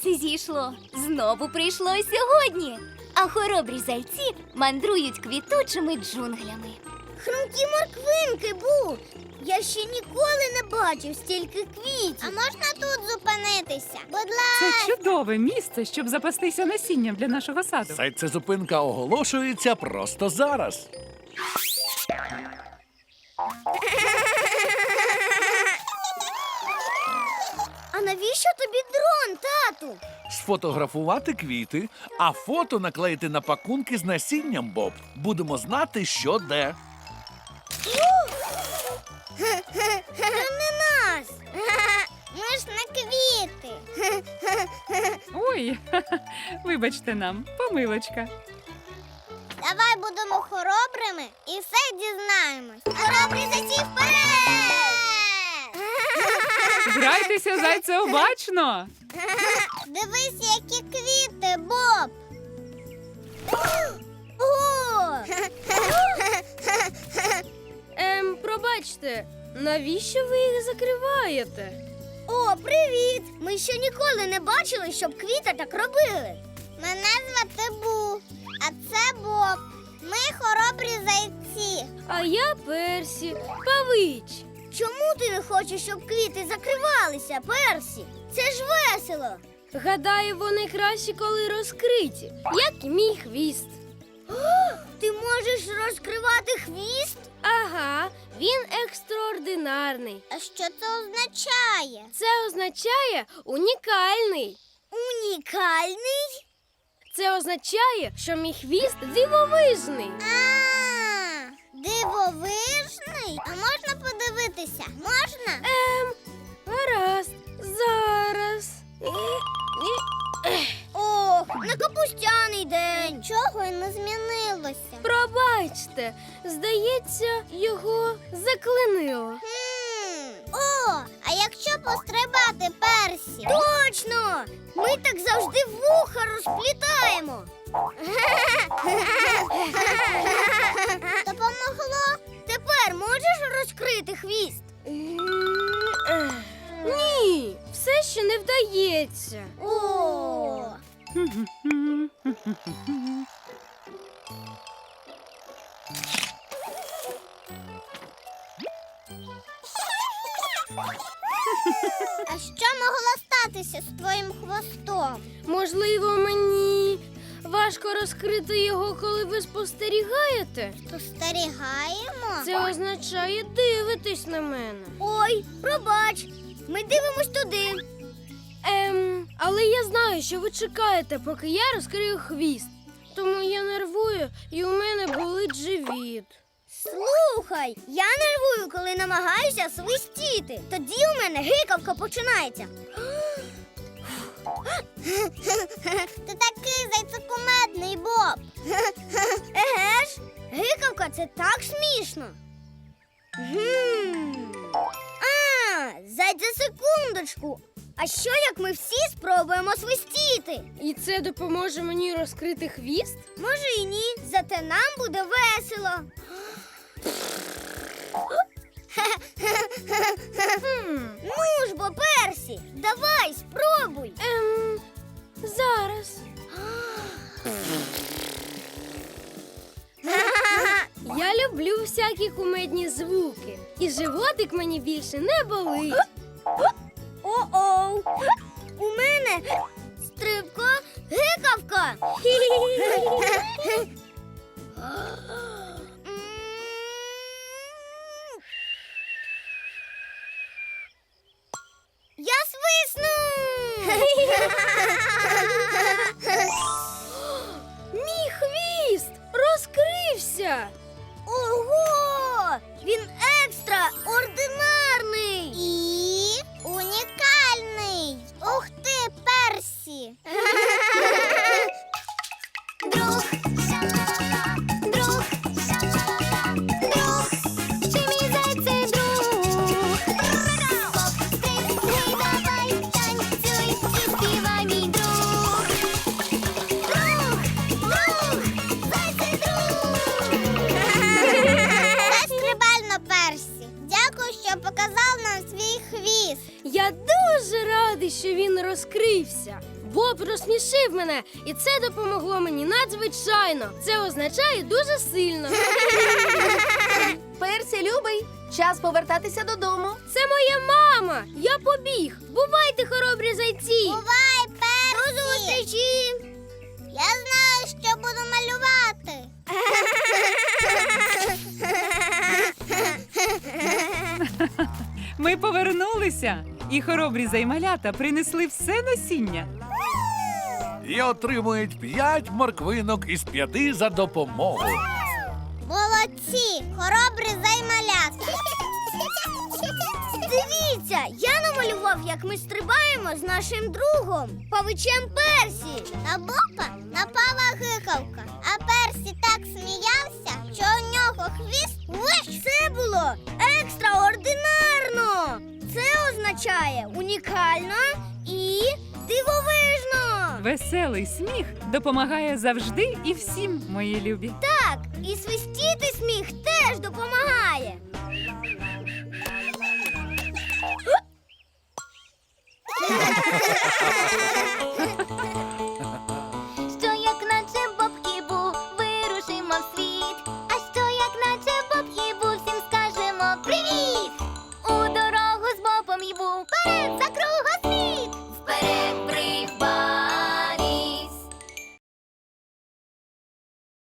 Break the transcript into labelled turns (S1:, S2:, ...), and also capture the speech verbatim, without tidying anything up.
S1: сонце зійшло. Знову прийшло сьогодні. А хоробрі зайці мандрують квітучими джунглями.
S2: Хрумкі морквинки, Бу! Я ще ніколи не бачив стільки квітів. А можна тут зупинитися? Будь ласка.
S3: Це чудове місце, щоб запастися насінням для нашого саду.
S4: Зайцезупинка оголошується просто зараз.
S2: А навіщо тобі дрон, тату?
S4: Сфотографувати квіти, а фото наклеїти на пакунки з насінням, Боб. Будемо знати, що де.
S2: Це не нас. Ми ж не квіти.
S3: Ой, вибачте нам, помилочка.
S2: Давай будемо хоробрими і все дізнаємось. Хоробрі зайці вперед!
S3: Грайтеся, зайце, обачно!
S2: Дивись, які квіти, Боб! О!
S5: Ем, пробачте, навіщо ви їх закриваєте?
S2: О, привіт! Ми ще ніколи не бачили, щоб квіти так робили. Мене звати Бу, а це Боб. Ми хоробрі зайці.
S5: А я Персі, Павич.
S2: Чому ти не хочеш, щоб квіти закривалися, Персі? Це ж весело.
S5: Гадаю, вони кращі, коли розкриті, як і мій хвіст.
S2: Ти можеш розкривати хвіст?
S5: Ага, він екстраординарний.
S2: А що це означає?
S5: Це означає унікальний.
S2: Унікальний?
S5: Це означає, що мій хвіст дивовижний.
S2: А, дивовижний? А можна подивитися? Можна?
S5: Ем, гаразд, зараз.
S2: Ох, не капустяний день. Нічого й не змінилося.
S5: Пробачте, здається, його заклинило.
S2: Хм. О, а якщо пострибати, Персі? Точно! Ми так завжди вуха розплітаємо. Допомогло? Тепер можеш розкрити хвіст?
S5: Ні, все ще не вдається.
S2: О! А що могло статися з твоїм хвостом?
S5: Можливо, мені важко розкрити його, коли ви спостерігаєте?
S2: Спостерігаємо?
S5: Це означає дивитись на мене.
S2: Ой, пробач, ми дивимось туди.
S5: Ем, але я знаю, що ви чекаєте, поки я розкрию хвіст. Тому я нервую, і у мене болить живіт.
S2: Слухай, я нервую, коли намагаюся свистіти. Тоді у мене гикавка починається. Ти такий зайцекумедний, Боб. Еге ж, гикавка – це так смішно. Гм. А, зайця, секундочку. А що, як ми всі спробуємо свистіти?
S5: І це допоможе мені розкрити хвіст?
S2: Може і ні, зате нам буде весело.
S5: Хм,
S2: Ну ж бо, Персі, давай, спробуй.
S5: ем, зараз. Я люблю всякі кумедні звуки. І животик мені більше не болить.
S2: О-оу, у мене стрибко гикавка. Я свисну.
S5: Мій хвіст розкрився.
S2: Ого! Він екстраординарний і унікальний. Ух ти, Персі! Друг, друг, друг, чи мій зайцей друг? Стрибни, давай, танцюй і співай, мій друг. Друг, друг, зайцей друг. Це стрибально, Персі. Дякую, що показав нам свій хвіст.
S5: Я дуже радий, що він розкрився. Боб розсмішив мене, і це допомогло мені надзвичайно. Це означає дуже сильно.
S6: Персі, любий, час повертатися додому.
S5: Це моя мама. Я побіг. Бувайте, хоробрі зайці.
S2: Бувай, Персі! До зустрічі! Я знаю, що буду малювати.
S3: Ми повернулися, і хоробрі займалята принесли все насіння.
S4: І отримують п'ять морквинок із п'яти за допомогу.
S2: Молодці, хоробрі займалята. Дивіться, я намалював, як ми стрибаємо з нашим другом, павичем Персі. На Бопа напала гикавка, а Персі так сміявся, що у нього хвіст виш. Це було екстраординарно. Це означає унікально і дивовижно.
S3: Веселий сміх допомагає завжди і всім, мої любі.
S2: Так, і свистіти сміх теж допомагає.